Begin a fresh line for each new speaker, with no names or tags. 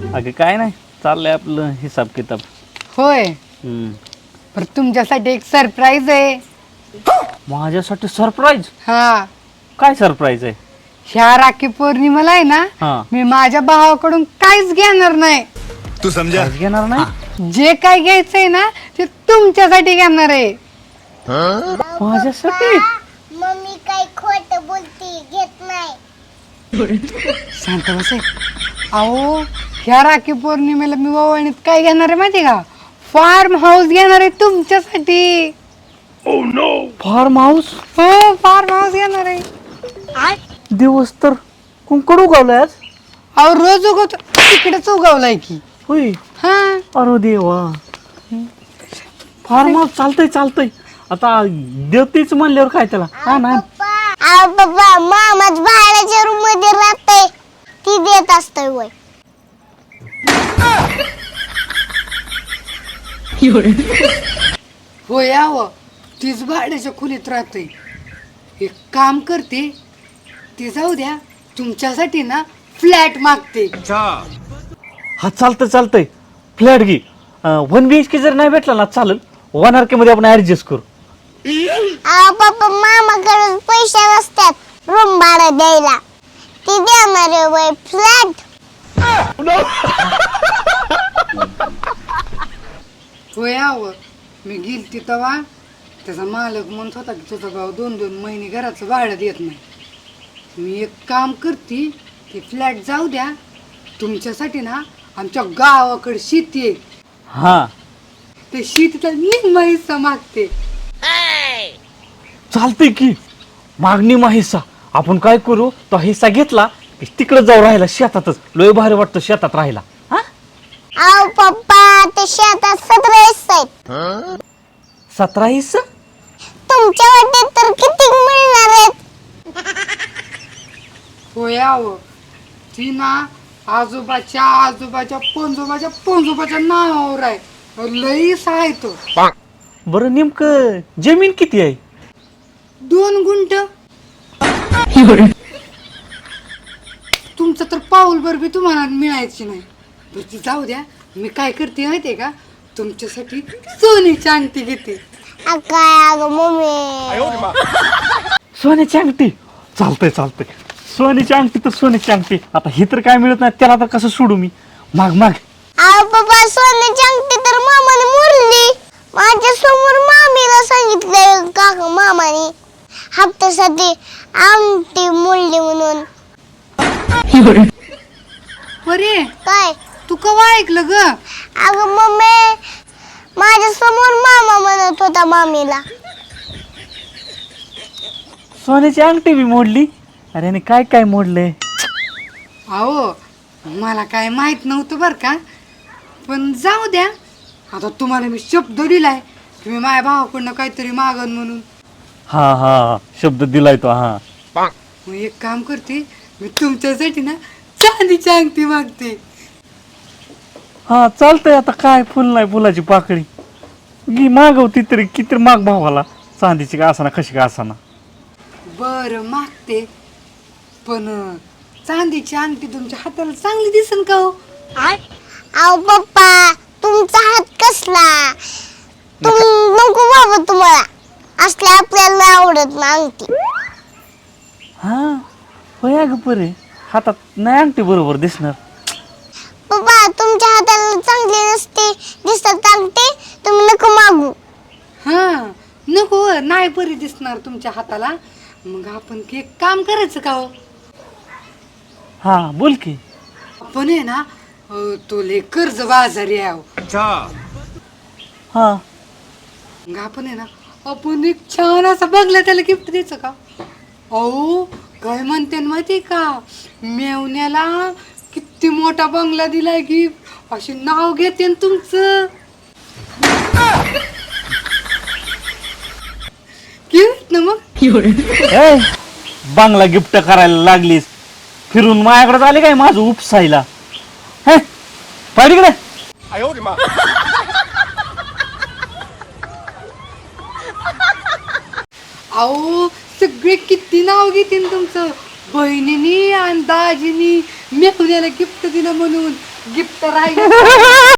अगं काय नाही, चाललंय आपलं हिसाब किताब.
होय. पर तुमच्यासाठी एक सरप्राईज आहे.
माझ्यासाठी सरप्राईज?
हा,
काय सरप्राईज आहे?
ह्या राखी पौर्णिमेला आहे ना,
हा.
मी माझ्या भावाकडून काहीच घेणार नाही.
तू समझा?
काहीच घेणार नाही?
जे काय घ्यायचंय ना ते तुमच्यासाठी घेणार आहे.
माझ्यासाठी?
मम्मी काय खोट बोलती, घेत नाही.
शांत बसे. अहो, ह्या राखी पौर्णिमेला मी ओवाळणीत काय घेणार आहे माहिती का? फार्म हाऊस घेणार आहे तुमच्यासाठी.
Farm house?
हो, फार्म हाऊस घेणार आहे.
दिवस तर कुंकड उगवलाय आज.
अहो, रोज उगवतो तिकडेच उगवलाय की.
होय.
हा,
अरे देवा. फार्म हाऊस चालतंय. आता देवतीच म्हणल्यावर काय त्याला, हा ना.
पप्पा मामाच भाड्याच्या रूम मध्ये राहते, ती देत असते वय.
हो यावं, तीच भाड्याच्या खोलीत राहते. एक काम करते, ते जाऊ द्या, तुमच्यासाठी ना फ्लॅट मागते.
हा चालतंय. फ्लॅट घे. 1 BHK जर नाही भेटला ना चालेल, 1 RK मध्ये आपण ऍडजस्ट करू.
पप्पा मामाकडे पैसे नसतात रूम भाडं द्यायला, ती देणार आहे वय फ्लॅट.
हो यावं, मी गेलती तेव्हा त्याचा मालक म्हणत होता की तुझा भाऊ 2-2 महिने घराचं भाडं देत नाही. मी एक काम करते, ते फ्लॅट जाऊ द्या, तुमच्यासाठी ना आमच्या गावाकडे शेती आहे.
हा
ते शेतीचा निम्मा हिस्सा मागते.
चालतंय की, मागणी मा हिस्सा. आपण काय करू, तो हिस्सा घेतला की तिकडे जाऊ राहिला शेतातच. लय भारी वाटतं शेतात राहिला. हा,
पप्पा ते शेतात 17 हिस्से आहेत.
17 हिस्सा?
तुमच्या वाटेत तर किती मिळणार आहेत?
हो यावं, ती ना आजोबाच्या पणजोबाच्या नावावर आहे. लईच आहे तो.
बरं नेमकं जमीन किती आहे?
2 गुंठ. तुमचं तर पाऊलभर बी तुम्हाला मिळायची नाही. बरं ती जाऊ द्या, मी काय करते माहितीये का, तुमच्यासाठी सोन्याची अंगठी घेते.
काय अगं मम्मी,
सोन्याची अंगठी? चालतंय. सोन्याची अंगठी तर सोन्याची अंगठी. आता हे तर काय मिळत नाही, त्याला आता कसं सोडू मी? माग.
पप्पा सोन्याची अंगठी तर मामाने मोरली. माझ्या समोर मामीला सांगितलंय काका मामाने हप्त्यासाठी अंगठी मोडली म्हणून.
अरे
काय
तू कवा ऐकलं ग?
अगं मम्मी, माझ्या समोर मामा म्हणत होता मामीला.
सोन्याची अंगठी बी मोडली? अरे आणि काय मोडलंय?
अहो, मला काय माहित नव्हतं बरं का, पण जाऊ द्या. आता तुम्हाला मी शब्द दिलाय की मी माझ्या भावाकडनं काहीतरी मागन म्हणून.
हा शब्द दिलाय तो. हा
मग एक काम करते, मी तुमच्यासाठी ना चांदीची अंगठी मागते.
हा चालतंय. आता काय फुल नाही, फुलाची पाकळी गी मागवती तरी किती माग भावाला. चांदीची का असाना, कशी का असाना.
बरं मागते, पण चांदीची अंगठी तुमच्या हाताला चांगली दिसन का हो?
पप्पा तुमचा हात कसला, नको बाबा, तुम्हाला असल्या आपल्याला आवडत ना अंगठी.
हा होय अगं परे, हातात नाही अंगठी बरोबर दिसणार.
पप्पा तुमच्या हाताला चांगली नसते दिसत अंगठी, तुम्ही नको मागू.
हा नको, नाही बरी दिसणार तुमच्या हाताला. मग आपण एक काम करायचं का हो?
हा बोल की.
आपण आहे ना, तो लय कर्ज बाजारी आहे अहो.
हा
मग आपण आहे ना, आपण एक छान असा बंगला त्याला गिफ्ट द्यायचं का? अहो काय म्हणते माहिती का, मेवण्याला किती मोठा बंगला दिलाय गिफ्ट, अशी नाव घेते न तुमचं. गिफ्ट ना मग.
ए, बांगला गिफ्ट करायला लागलीस, फिरून माझ्याकडे आले काय माझं उपसायला? हे पाडीकडे.
अहो सगळे किती नाव घेते तुमचं. बहिणीनी आणि दाजीनी मेहुण्याला गिफ्ट दिलं म्हणून गिफ्ट राहिलं